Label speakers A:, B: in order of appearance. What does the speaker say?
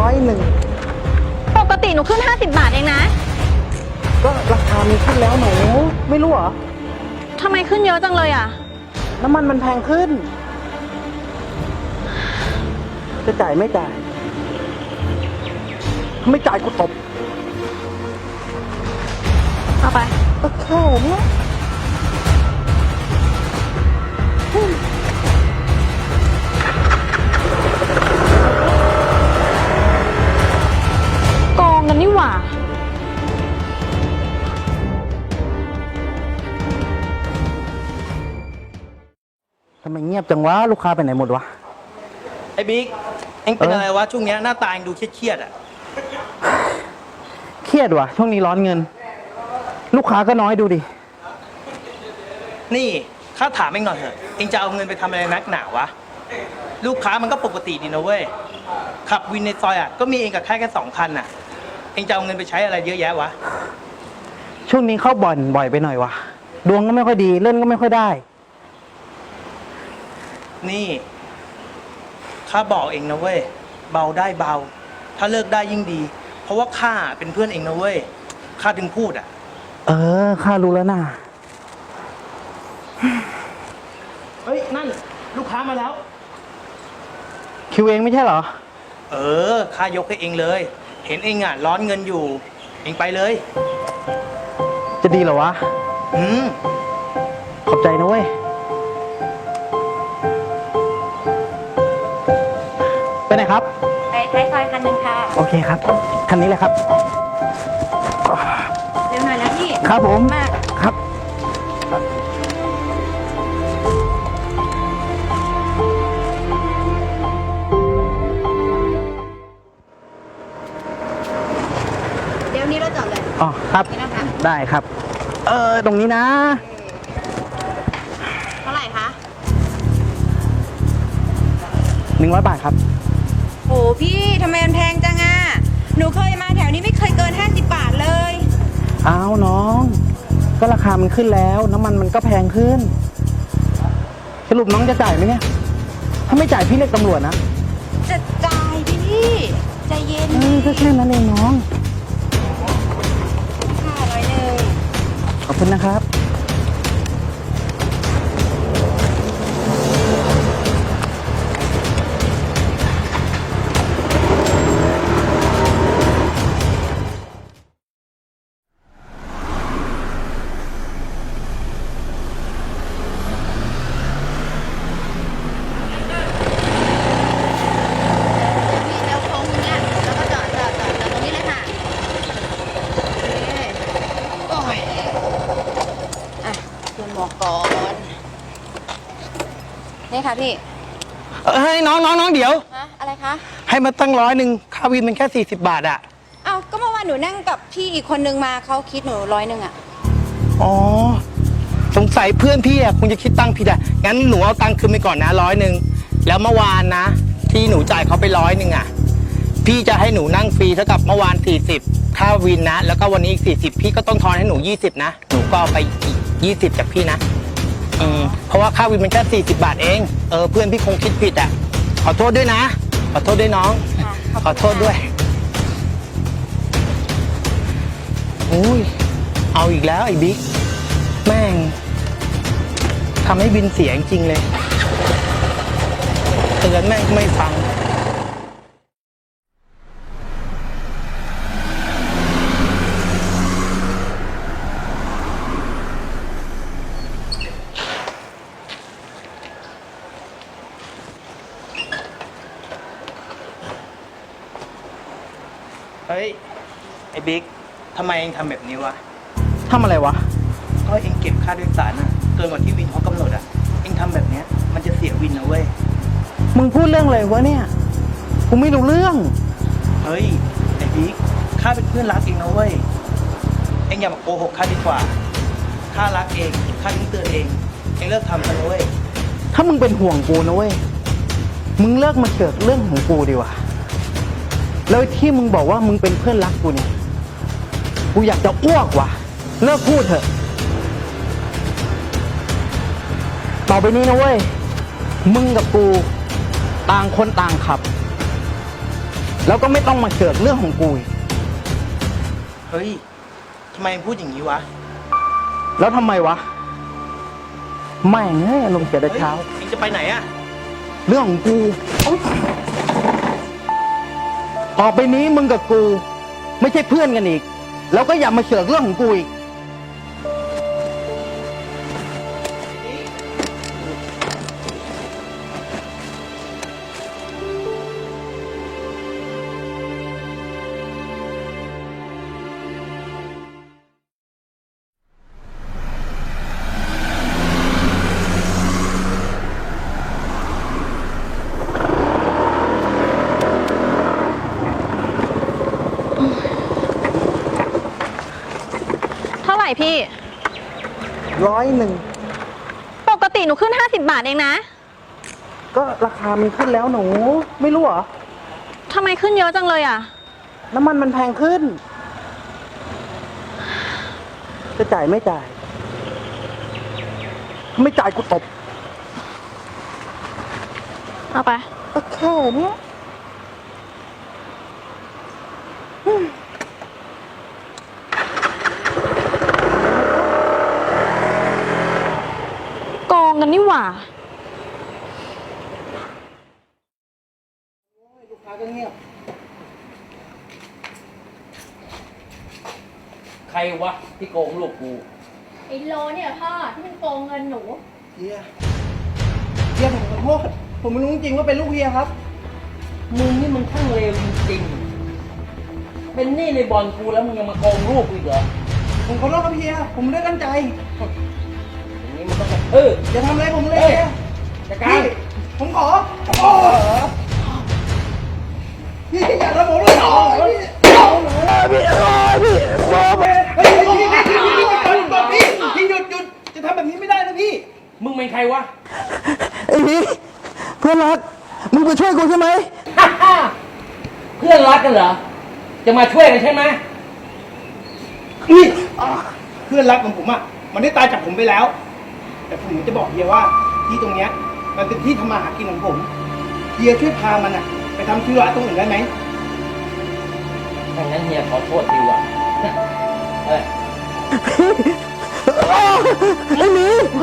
A: 100
B: ปกติหนูขึ้น50 บาทเองนะ
A: ก็ราคามีขึ้นแล้วหนูไม่รู้เหรอ
B: ทำไมขึ้นเยอะจังเลยอ่ะ
A: น้ำมันแพงขึ้นจะจ่ายไม่จ่ายถ้าไม่จ่ายกูตบ
B: เอาไป
A: ก็แค่นี้
B: โกงกันนี่หว่า
A: ทำไมเงียบจังวะลูกค้าไปไหนหมดวะ
C: ไอ้บิ๊กเอ็งเป็นอะไรวะช่วงนี้หน้าตาเอ็งดูเครียดๆอ่ะ
A: เครียดวะช่วงนี้ร้อนเงินลูกค้าก็น้อยดูดิ
C: นี่ข้าถามเอ็งหน่อยเถอะเอ็งจะเอาเงินไปทำอะไรนักหนาวะลูกค้ามันก็ปกติดีนะเว้ยขับวินในซอยอ่ะก็มีเอ็งกับแค่2 คันอ่ะเอ็งจะเอาเงินไปใช้อะไรเยอะแยะวะ
A: ช่วงนี้เข้าบ่อยไปหน่อยวะดวงก็ไม่ค่อยดีเล่นก็ไม่ค่อยได้
C: นี่ข้าบอกเอ็งนะเว้ยเบาได้เบาถ้าเลิกได้ยิ่งดีเพราะว่าข้าเป็นเพื่อนเอ็งนะเว้ยข้าถึงพูดอ่ะ
A: ข้ารู้แล้วนะ
C: เฮ้ยนั่นลูกค้ามาแล้ว
A: คิวเองไม่ใช่เหรอ
C: ข้ายกให้เองเลยเห็นเองอ่ะร้อนเงินอยู่เองไปเลย
A: จะดีเหรอวะขอบใจนะเว้ยไปไหนครับ
B: ไปท้ายซอยคันนึงค่ะ
A: โอเคครับคันนี้เลยครับ
B: เร็วหน่อยนะพี่
A: ครับผม
B: มาก
A: ครับ
B: เดี๋ยวนี้เราจอดเลย
A: อ๋อครับได้ครับตรงนี้นะ
B: เท่าไหร่คะ
A: 100 บาทครับ
B: โอ้พี่ทำไมมันแพงจังอ่ะหนูเคยมาแถวนี้ไม่เคยเกิน50 บาทเลย
A: อ้าวน้องก็ราคามันขึ้นแล้วน้ำมันมันก็แพงขึ้นสรุปน้องจะจ่ายไหมเนี่ยถ้าไม่จ่ายพี่เรียกตำรวจนะ
B: จะจ่ายพี่ใจเย็น
A: ก็แค่นั้นเองน้อง
B: 500
A: ขอบคุณนะครับ
B: นี่ค่ะพี่
A: ให้น้องเดี๋ยว
B: อะไรคะ
A: ให้มาตั้ง100ค่าวินมันแค่40 บาทอะ
B: ก็เมื่อวานหนูนั่งกับพี่อีกคนนึงมาเขาคิดหนู100อะ
A: อ๋อสงสัยเพื่อนพี่อะคงจะคิดตังค์ผิดอะงั้นหนูเอาตังค์คืนไปก่อนนะ100แล้วเมื่อวานนะที่หนูจ่ายเขาไป100อะพี่จะให้หนูนั่งฟรีเท่ากับเมื่อวาน40ค่าวินนะแล้วก็วันนี้อีก40พี่ก็ต้องทอนให้หนู20นะหนูก็เอาไปอีก20จากพี่นะเพราะว่าค่าวินมันแค่40 บาทเองเพื่อนพี่คงคิดผิดอ่ะขอโทษด้วยนะขอโทษด้วยน้องขอโทษด้วยอุ้ยเอาอีกแล้วไอ้บิ๊กแม่งทำให้บินเสียจริงเลยเตือนแม่งไม่ฟัง
C: เฮ้ยไอ้บิ๊กทำไมเองทำแบบนี้วะ
A: ทำอะไรวะ
C: ก็เองเก็บค่าโดยสารน่ะเกินกว่าที่วินเขากำหนดอ่ะเองทำแบบเนี้ยมันจะเสียวินนะเว้ย
A: มึงพูดเรื่องอะไรวะเนี่ยกูไม่รู้เรื่อง
C: เฮ้ยไอ้บิ๊กข้าเป็นเพื่อนรักเองนะเว้ยเองอย่ามาโกหกข้าดีกว่าข้ารักเองข้าถึงเตือนเองเลิกทำกันนะเว้ย
A: ถ้ามึงเป็นห่วงกูนะเว้ยมึงเลิกมาเกิดเรื่องของกูดีกว่าแล้วที่มึงบอกว่ามึงเป็นเพื่อนรักกูเนี่ยกูอยากจะอ้วกว่ะเลิกพูดเถอะต่อไปนี้นะเว้ยมึงกับกูต่างคนต่างขับแล้วก็ไม่ต้องมาเสือกเรื่องของกูอีก
C: เฮ้ยทำไมพูดอย่างนี้วะ
A: แล้วทำไมวะไม่งเอ้ยลงเสียแต่เช้า
C: เองจะไปไหนอะ
A: เรื่องของกูต่อไปนี้มึงกับกู ไม่ใช่เพื่อนกันอีก แล้วก็อย่ามาเสือกเรื่องของกูอีก
D: เท่าไหร่พี่
A: 100
D: ปกติหนูขึ้น 50 บาทเองนะ
A: ก็ราคามันขึ้นแล้วหนู ไม่รู้เหรอ
D: ทำไมขึ้นเยอะจังเลยอ่ะ
A: น้ำมันมันแพงขึ้น จะจ่ายไม่จ่าย ไม่จ่ายกูตบ
D: เอาไป
A: ก็แค่เนี้ย
D: โกงกันนี่หว่า
A: ลูกค้าก็เงียบ
E: ใครวะที่โกงลูกกู
D: ไอ้โลเนี่ยพ่อที่มันโกงเงินหนู
A: เฮียผมขอโทษ ผมไม่รู้จริงๆว่าเป็นลูกเฮียครับ
E: มึงนี่มึงช่างเลวจริงๆ เป็นหนี้ในบอลกูแล้วมึงยังมาโกงลูกกูอีกเหรอ
A: ผมขอโทษครับเฮีย ผมไม่ได้ตั้งใจ
E: อย่างนี้มันต้องแบบ
A: อย่าทำอะไรผมเลย
E: เอ้ย
A: เฮีย
E: จัดการ
A: พี่ผมขอโอ้พี่อย่าทำผมเลยพี่พี่หยุดจะทำแบบนี้ไม่ได้นะพี่
E: มึงเป็นใครวะ
A: ไอ้พี่เพื่อนรัก มึงไปช่วยกูใช่ไหม
E: เพื่อนรักกันเหรอ จะมาช่วยกันใช่ไหม
C: เพื่อนรักของผมอะมันได้ตายจากผมไปแล้ว แต่ผมจะบอกเฮียว่าที่ตรงเนี้ยมันเป็นที่ทำมาหากินของผมเฮียช่วยพามันอะไปทำธุระตรงอื่นได้ไหม
E: ถ้างั้นเฮียขอโทษทีว่ะเอ้ย
A: ไอ้หมี